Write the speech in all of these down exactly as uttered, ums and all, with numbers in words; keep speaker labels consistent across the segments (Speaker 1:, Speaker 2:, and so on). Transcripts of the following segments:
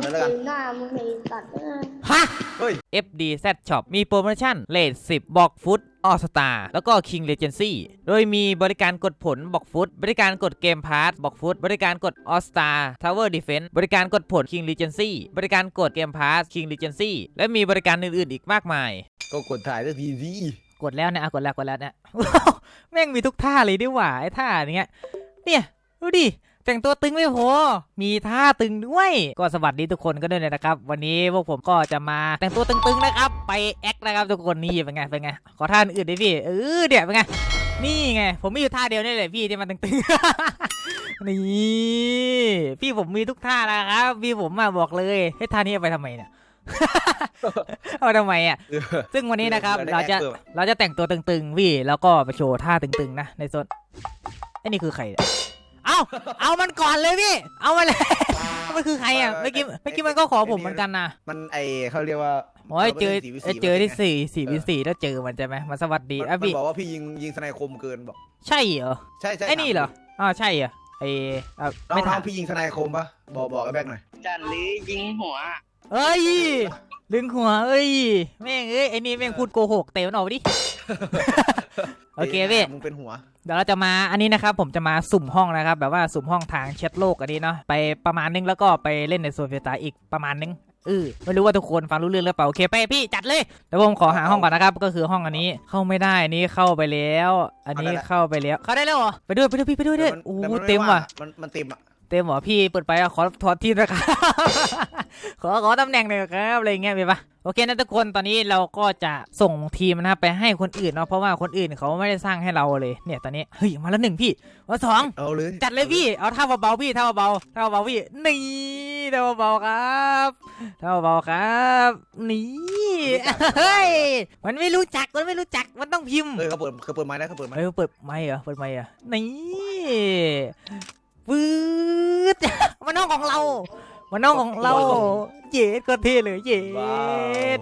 Speaker 1: เลยแล้วกัน
Speaker 2: หน้ามึงไอ้สัตว์
Speaker 3: ฮะ
Speaker 1: เฮ้ย
Speaker 3: เอฟ ดี แซด Shop มีโปรโมชั่นเลทสิบบอกฟุตออสตาแล้วก็ King Legacy โดยมีบริการกดผลบอกฟุตบริการกดเกมพาร์ทบอกฟุตบริการกดออสตาทาวเวอร์ดีเฟนส์บริการกดผล King Legacy บริการกดเกมพาร์ท King Legacy และมีบริการอื่นๆอีกมากมาย
Speaker 1: ก็กดถ่ายสักทีสิ
Speaker 3: กดแล้วเนี่ยกดแล้วกดแล้วเนี่ย แม่งมีทุกท่าเลยดิว่าไอ้ท่าเนี้ยเนี่ยดูดิแต่งตัวตึงไม่พอมีท่าตึงด้วยก็สวัสดีทุกคนก็ด้วยนะครับวันนี้พวกผมก็จะมาแต่งตัวตึงๆนะครับไปแอคนะครับทุกคนนี่เป็นไงเป็นไงขอท่าอื่นดิพี่เออเดี๋ยวเป็นไงนี่ไงผมมีอยู่ท่าเดียวนี่แหละพี่ที่มันตึงๆ นี่พี่ผมมีทุกท่านะครับพี่ผมมาบอกเลยให้ท่านี้เอาไปทำไมเนี่ยเอาทำไมอ่ะซึ่งวันนี้นะครับเราจะเราจะแต่งตัวตึงๆพี่แล้วก็ไปโชว์ท่าตึงๆนะในโซนไอ้นี่คือใครเอาเอามันก่อนเลยพี่เอามาเลยมันคือใครอ่ะเมื่อกี้เมื่อกี้มันก็ขอผมเหมือนกันนะ
Speaker 1: มันไอเขาเรียกว่า
Speaker 3: โอ้ยเจอเจอที่สี่สี่วิสี่แล้วเจอมันใช่ไหมมาสวัสดีอ่ะพี่
Speaker 1: บอกว่าพี่ยิงยิงสไนคมเกินบอก
Speaker 3: ใช่เหรอ
Speaker 1: ใช่ใช่
Speaker 3: ไอ้นี่เหรออ๋อใช่เหรอไอ้
Speaker 1: ไม่ถามพี่ยิงสไนคมปะบอกบอกไอ้แบกหน่อย
Speaker 4: จันหรือยิงหัว
Speaker 3: เอ้ยลึงหัวเอ้ยแม่งเอ้ยไอ้นี่แม่งพูดโกหกเตะมันออกดิโอเคพี่
Speaker 1: มึงเป็นหัว
Speaker 3: เดี๋ยวเราจะมาอันนี้นะครับผมจะมาสุ่มห้องนะครับแบบว่าสุ่มห้องทางแชทโลกอันนี้เนาะไปประมาณนึงแล้วก็ไปเล่นในโซนเฟตาอีกประมาณนึงเออไม่รู้ว่าทุกคนฟังรู้เรื่องหรือเปล่าโอเคไปพี่จัดเลยเดี๋ยวผมขอหาห้องก่อนนะครับก็คือห้องอันนี้เข้าไม่ได้อันนี้เข้าไปแล้วอันนี้เข้าไปแล้วเข้าได้แล้วเหรอไปด้วยไปด้วยพี่ไปด้วยด้วยโอ้เต็มว่ะ
Speaker 1: มันมันเต็มอ่ะ
Speaker 3: เต็มเหรอพี่เปิดไปขอถอดที่นะครับขอขอตำแหน่งหน่อยครับอะไรเงี้ยไปปะโอเคนะทุกคนตอนนี้เราก็จะส่งทีมนะครับไปให้คนอื่นเนาะเพราะว่าคนอื่นเขาไม่ได้สร้างให้เราเลยเนี่ยตอนนี้เฮ้ยมาแล้วหนึ่งพี่มาสอง
Speaker 1: เอาเลย
Speaker 3: จัดเลยพี่เอาท่าเบาๆพี่ท่าเบาๆท่าเบาๆพี่นี่ท่าเบาๆครับท่าเบาๆครับนี่เฮ้ยมันไม่รู้จักมันไม่รู้จักมันต้องพิมพ์
Speaker 1: เออเขาเปิดเขาเปิดไม้ได้เขาเปิดไม้
Speaker 3: เออเปิดไม้เหรอเปิดไม้เหรอนี่ปื๊ดมันน้องของเรามันน้องของเราเย็ดก็เท่เลยเย็ด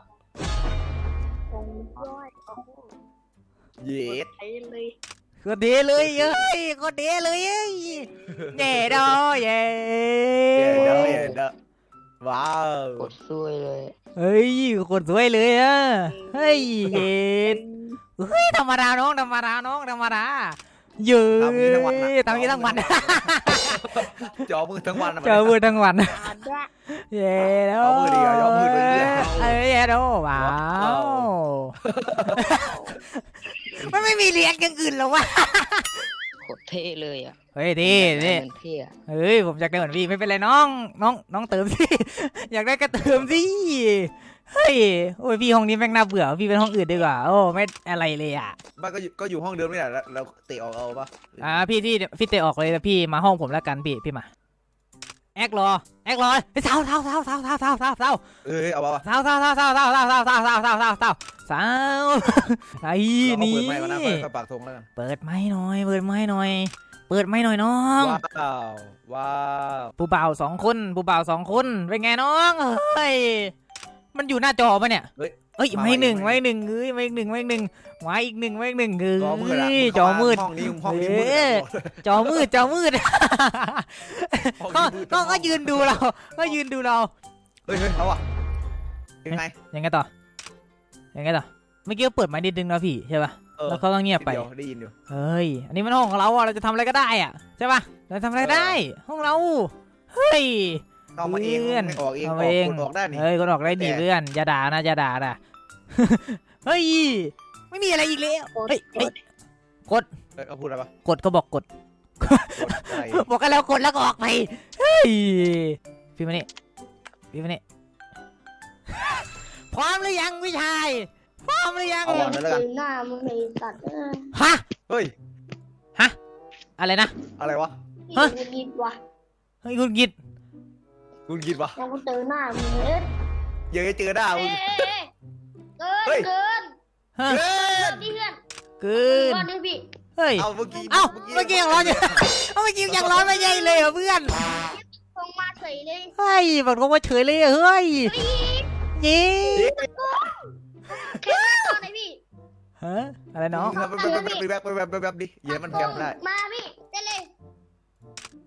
Speaker 1: เย็ด
Speaker 3: ก็เท่เลยเฮ้ยก็เท่เลยเฮ้ยเย่ดอเย่
Speaker 1: เย่ดอเย่ดอว้าว
Speaker 4: กดสวยเลย
Speaker 3: เฮ้ยคนสวยเลยอ่ะเฮ้ยเย็ดเฮ้ยธรรมดาน้องธรรมดาน้องธรรมดาเยอะทำนี้ทั้งวัน
Speaker 1: จอมือทั้งวัน
Speaker 3: จอมือทั้งวันเย้แล้ว
Speaker 1: มือดีอ่ะจอมือเลย
Speaker 3: เอ้ยเย้แล้วว้าวมันไม่มีเรียกอย่างอื่นหรอวะ
Speaker 4: โคตรเท่เลยอ่ะ
Speaker 3: เฮ้ยดีดีเฮ้ยผมอยากได้เหมือนพี่ไม่เป็นไรน้องน้องน้องเติมสิอยากได้ก็เติมสิเฮ้ยโอ้ยพี่ห้องนี้แม่งน่าเบื่อพี่เป็นห้องอื่นดีกว่าโอ้ไม่อะไรเลยอ่ะ
Speaker 1: บ้านก็อยู่ก็อยู่ห้องเดิมนี่แหละแล้วเตะออกเอาปะ
Speaker 3: อ่าพี่ที่พี่เตะออกเลยพี่มาห้องผมแล้วกันพี่พี่มาแอกรอแอกรอเท้าเท้าเท้าเท้าเท้าเท้าเท้าเท้า
Speaker 1: เอ้ยเอาปะ
Speaker 3: เท้าเท้าเท้าเท้าเท้าเท้าเท้าเท้าเท้าเท้าเท้าเท้าเท้าเท้าไอ้นี่
Speaker 1: เปิดไม้ก่อนนะเปิดปากทงแล้วกัน
Speaker 3: เปิดไม้หน่อยเปิดไม้หน่อยเปิดไม้หน่อยน้อง
Speaker 1: ว้าวว้าว
Speaker 3: ผู้บ่าวสองคนผู้บ่าวสองคนเป็นไงน้องเฮ้ยมันอยู่หน้าจอปะเนี่ยเอ้ยไม่หนึ่งไม่หนึ่งเอ้ยไม่หนึ่งไม่หนึ่งไว้อีกหนึ่งไว้อีกหนึ่งคือจอมืด
Speaker 1: ห้องนี้ห้องนี้มืด
Speaker 3: จอมืดจอมืดก็ก็ยืนดูเราก็ยืนดูเรา
Speaker 1: เฮ้ยเอาอ่ะยังไง
Speaker 3: ยังไงต่อยังไงต่อเมื่อกี้เปิดไม้ดิดดึงนะพี่ใช่ป่ะแล้วเขาต้องเงียบไป
Speaker 1: ได้ยินอยู่
Speaker 3: เฮ้ยอันนี้มันห้องของเราอ่ะเราจะทำอะไรก็ได้อ่ะใช่ป่ะเราทำอะไรได้ห้องเราเฮ้ย
Speaker 1: เอามาเองออกเองออกคนออกได้นี่
Speaker 3: เฮ้ยคนออกได้ดีเพื่อนอย่าด่านะอย่าด่านะเฮ้ยไม่มีอะไรอีกแล้วเฮ้ยกด
Speaker 1: เขาพูดอะไรปะ
Speaker 3: กดเขาบอกกดบอกกันแล้วกดแล้วก็ออกไปเฮ้ยพี่มานี่พี่มานี่พร้อมหรือยังวิชัยพร้อมหรือยัง
Speaker 2: หน้ามึงไอ้สัตว์
Speaker 3: ฮะ
Speaker 1: เฮ้ย
Speaker 3: ฮะอะไรนะ
Speaker 1: อะไรวะ
Speaker 2: ฮะคุณกิดวะ
Speaker 3: เฮ้ยคุณกิด
Speaker 1: คุณกิดวะ
Speaker 2: ยังกูเจอหน้ามึง
Speaker 1: เยอะเจอหน้ามึง
Speaker 2: เกินเกิน
Speaker 1: เกิน
Speaker 2: นี่เพื่อน
Speaker 3: เกิน
Speaker 2: พี่
Speaker 3: เฮ้ย
Speaker 1: เอาเมื่อกี้
Speaker 3: เอ้าเมื่อกี้ยังร้อนอยู่เอ้าเมื่อกี้ยังร้อนไม่ใช่เลยเหรอเพื่อน
Speaker 2: คงมาเฉยเลย
Speaker 3: เฮ้ยบอกว่าเฉยเลยเฮ้ยยี่
Speaker 2: แค่ตอนไหนพี่
Speaker 3: ฮะอะไรน้อง
Speaker 1: ไปแบบไปแบบไปแบบไปแบบดิเย้มันแกมได้
Speaker 2: มาพี่ได้เลย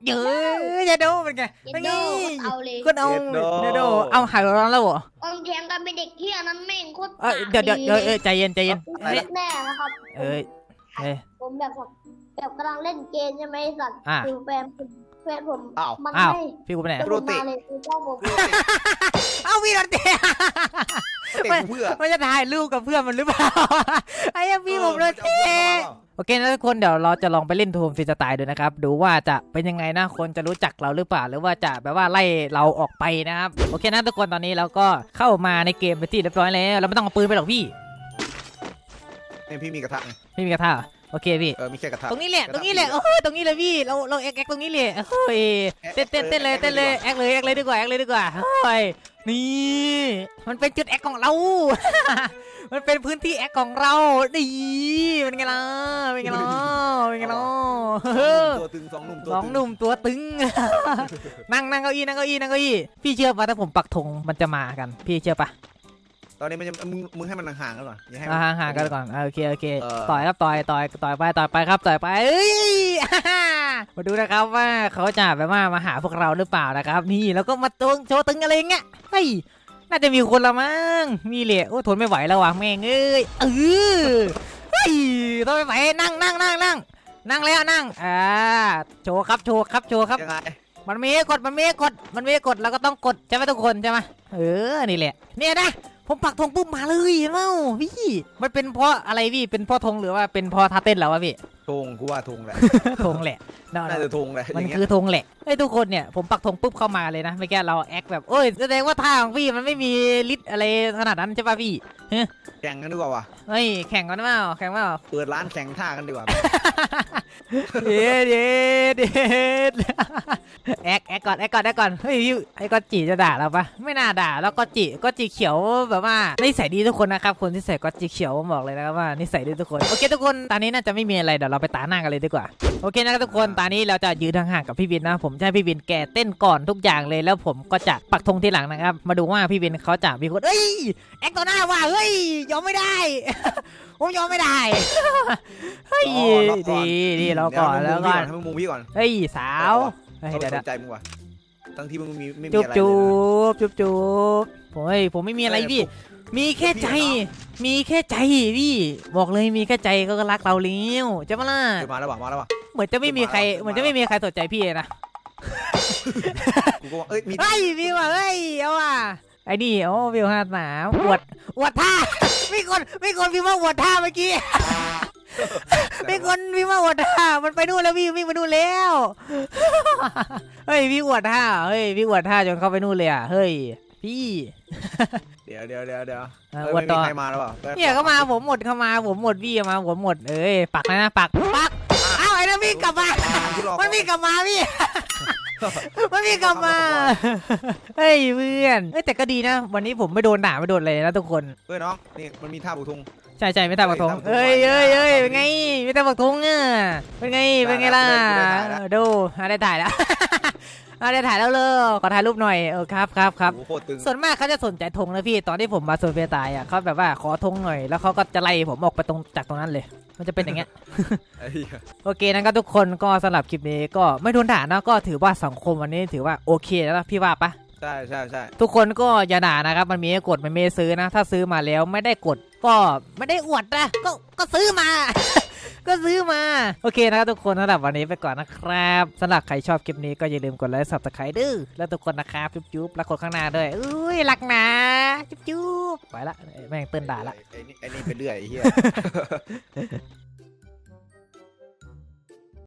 Speaker 3: เยอะจะดูเป็นไง
Speaker 2: เย็
Speaker 3: เป็น
Speaker 2: น
Speaker 3: ไง
Speaker 2: โดเอาเลย
Speaker 3: ก็เอาเดี๋ยวดูเอาหายร้อนแล้วเหรอ
Speaker 2: อมแทงกันเป็นเด็กเที่ยนั้นแม่งโคตร
Speaker 3: เอ้ยเดี๋ยวเดี๋ยวเดี๋ยวเออใจเย็นใจเย็น
Speaker 2: เฮ้ยแน่นะครับ
Speaker 3: เอ้ยเอ้ย
Speaker 2: ผมแบบแบบกำลังเล่นเกมใช่ไหมสัตว์
Speaker 3: อ่ะ
Speaker 2: คือแฟนผมแฟนผม
Speaker 1: อ้าว
Speaker 2: มัน
Speaker 3: อ้าว
Speaker 2: ให้
Speaker 3: พี่กูไปไหน
Speaker 2: แล้วผมมาเลยคือพ่อผม
Speaker 3: เอาพี่รันเตะ
Speaker 1: เตะกูเพื่อ
Speaker 3: มันจะถ่ายรูปกับเพื่อนมันหรือเปล่าไอ้ยังพี่ผมโดนเตะ โอเคนะทุกคนเดี๋ยวเราจะลองไปเล่นโทมฟรีสไตล์ดูนะครับดูว่าจะเป็นยังไงนะคนจะรู้จักเราหรือเปล่าหรือว่าจะแบบว่าไล่เราออกไปนะครับโอเคนะทุกคนตอนนี้เราก็เข้ามาในเกมไปนที่เรียบร้อยแล้วเราไม่ต้องเอาปืนไปหรอกพี่
Speaker 1: เนี่ยพี่มีกระทะไง
Speaker 3: ไม่มีกระทะเหรอโอเคพี่
Speaker 1: เออมีแค่กระทะ
Speaker 3: ตรงนี้แหละตรงนี้แหละโอ้ยตรงนี้เลยพี่เราเราแอคแอคตรงนี้เลยโอ้ยเต้นเต้นเต้นเลยเต้นเลยแอคเลยแอคเลยดีกว่าแอคเลยดีกว่าโอ้ยนี่มันเป็นจุดแอคของเรา มันเป็นพื้นที่แอคของเราดีเป็นไงล่ะเป็นไงล่ะเป็นไงล่ะ
Speaker 1: ตัวตึงสองหนุ่มตัว
Speaker 3: สองหนุ่มตัวตึง นั่งนั่งเก้าอี้นั่งเก้าอี้นั่งเก้าอี้พี่เชื่อปะถ้าผมปักธงมันจะมากันพี่เชื่อปะ
Speaker 1: ตอนนี้มันจะมึงมึงให้มันห่างๆกันก่อนอย่าให้
Speaker 3: อ่าห่างๆกันก่อนอ่าโอเคโอเค
Speaker 1: เออ
Speaker 3: ต่อยครับต่อยต่อยต่อยไปต่อยไปครับต่อยไปเอ้ย มาดูนะครับว่าเขาจะแบบว่ามาหาพวกเราหรือเปล่านะครับ นี่แล้วก็มาตรงโชว์ตึงอะไรเงี้ยเฮ้ยน่าจะมีคนละมั้งมีเหละโอ้ทนไม่ไหวแล้วว่ะแม่งเอ้ยเออเฮ้ยทนไม่ไหวนั่งนั่งนั่งนั่งนั่งแล้วนั่งอ่าโชว์ครับโชว์ครับโชว์ครับ
Speaker 1: ยังไง
Speaker 3: มันมีให้กดมันมีให้กดมันมีให้กดเราก็ต้องกดใช่ไหมทุกคนใช่ไหมเออนี่แหละเนี่ยนะผมปักธงปุ๊บมาเลยเห็นเปล่าพี่มันเป็นเพราะอะไรพี่เป็นเพราะธงหรือว่าเป็นเพราะท่าเต้นเราวะพี่
Speaker 1: ธงกูว่าธงแหละ
Speaker 3: ธงแหละเนาะ
Speaker 1: น่าจะธงแหละอ
Speaker 3: มัน
Speaker 1: ย่างเงี้ย
Speaker 3: คือธงแหละไอ้ยทุกคนเนี่ยผมปักธงปุ๊บเข้ามาเลยนะไม่แก้เราแอคแบบโอ้ยแสดงว่าท่าของพี่มันไม่มีฤทธิ์อะไรขนาดนั้นใช่ป่ะพี่
Speaker 1: แข่งกันดีกว่าว่ะ
Speaker 3: เฮ้ยแข่งกันเปล่าแข่งเปล่า
Speaker 1: เปิดร้านแข่งท่ากันดีกว่า
Speaker 3: เด็ดเด็ดเด็ดแอคแอคก่อนแอคก่อนแอคก่อนเฮ้ยพี่ไอ้กอจิจะด่าเราปะไม่น่าด่าแล้วกอจิกอจิเขียวแบบว่านิสัยดีทุกคนนะครับคนที่ใส่กอจิเขียวผมบอกเลยนะครับว่านิสัยดีทุกคนโอเคทุกคนตอนนี้น่าจะไม่มีอะไรเดี๋ยวเราไปตาหน้ากันเลยดีกว่าโอเคนะครับทุกคนตอนนี้เราจะยืนห่างๆกับพี่วินนะผมจะให้พี่วินแกเต้นก่อนทุกอย่างเลยแล้วผมก็จะปักธงทีหลังนะครับมาดูว่าพี่วินเขาจะมีคนเอ้ยแอคต่อหน้าว่ะเฮ้ยยอมไม่ได้ ผมยอมไม่ได้ เฮ้ยดีดีเราก่อนแล้วก่อน
Speaker 1: ให้มึงมุงพี่ก่อน
Speaker 3: เฮ้ยสาวเฮ้ย
Speaker 1: เขา
Speaker 3: เดี๋ยว
Speaker 1: ส
Speaker 3: เดี๋ย
Speaker 1: นใจมึงว่ะทั้งที่มึงมีไม่มี
Speaker 3: จุ๊บ
Speaker 1: อะไร
Speaker 3: จุ๊
Speaker 1: เลยนะ
Speaker 3: บจุ๊บจุ๊บผมเฮ้ยผมไม่มีอะไรพี่ มีแค่ใจ มีแค่ใจพี่บอกเลยมีแค่ใจก็รักเราแล้วจะมาล่ะ
Speaker 1: เดี๋ยวมาแล้วว่ะมาแล้วว่ะ
Speaker 3: เหมือนจะไม่มีใครเหมือนจะไม่มีใครสนใจพี่เลยนะ
Speaker 1: กูก็ว่าเอ้ยมี
Speaker 3: เฮ้ยพี่ว่ะเฮ้ยเอาว่ะไอ้นี่โอ้วิวห้าสามอวดอวดท่า มีคนมีคนพี่มาอวดท่าเมื่อกี้ มีคนพี่มาอวดท่ามันไปนู่นแล้วพี่วิ่งไปนู่นแล้ว เฮ้ยพี่อวดท่าเฮ้ยพี่อวดท่าจนเข้าไปนู่นเลยอ่ะเฮ้ยพี่
Speaker 1: เดี๋ยวเดี๋ยวเดี๋ยวเดี๋ยว
Speaker 3: อ่ะ
Speaker 1: เอ้ย
Speaker 3: อวด
Speaker 1: ไม่
Speaker 3: ต่
Speaker 1: มี
Speaker 3: อ
Speaker 1: ใครมาแล้วว่ะ
Speaker 3: เนี่ยก็มาผมหมดเข้ามาผมหมดพี่มาผมหมดเอ้ยปักนะนะปักปักอ้าวไอ้นั่นวิ่งกลับมา
Speaker 1: ที่รอ
Speaker 3: มันวิ่งกลับมาพี่ มันวิ่งกลับมาเฮ้ยเพื่อนเอ้ยแต่ก็ดีนะวันนี้ผมไม่โดนด่าไม่โดนอะไรนะทุกคน
Speaker 1: เฮ้ยน้องนี่มันมีท่าบุกธง
Speaker 3: ใช่ใช่ไม่ตาบักทง
Speaker 1: เฮ้
Speaker 3: เอ้ย
Speaker 1: ย
Speaker 3: เอ้ย
Speaker 1: ตามผม
Speaker 3: เอ้ยเป็นไงไม่ตาบักทงอ่ะเป็นไงเป็นไงล่ะ
Speaker 1: ได้แล้วได้แล้ว
Speaker 3: ดูอ่ะได้ถ่ายแล้ว อ่ะได้ถ่ายแล้วเลยขอถ่ายรูปหน่อยเออครับครับครับ
Speaker 1: โอ้โหโคตรตึง
Speaker 3: ส่วนมากเขาจะสนใจธงนะพี่ตอนที่ผมมาโซนเฟียตายอ่ะเขาแบบว่าขอธงหน่อยแล้วเขาก็จะไล่ผมออกไปตรงจากตรงนั้นเลย มันจะเป็นอย่างเงี้ย
Speaker 1: ไอ้เหี้ย
Speaker 3: โอเคนะครับทุกคนก็สำหรับคลิปนี้ก็ไม่โดนด่านะก็ถือว่าสังคมวันนี้ถือว่าโอเคแล้วนะพี่ว่าปะ
Speaker 1: ใช่ใช่ใช่
Speaker 3: ทุกคนก็อย่าด่านะครับมันมีให้กดมันไม่ให้ซื้อนะ ถ้าซื้อมาแล้วไม่ได้กดก็ไม่ได้อวดนะก็ก็ซื้อมา ก็ซื้อมาโอเคนะครับทุกคนสำหรับวันนี้ไปก่อนนะครับสำหรับใครชอบคลิปนี้ก็อย่าลืมกดไลค์ซับสไครต์ดื้อแล้วทุกคนนะครับจุ๊บๆแล้วคนข้างหน้าด้วยอุ้ยรักนะจุ๊บๆไปละแม่งเตือนด่าละ
Speaker 1: ไอ้นี่ไอ้นี่ไปเรื่อยไอ้เหี้ย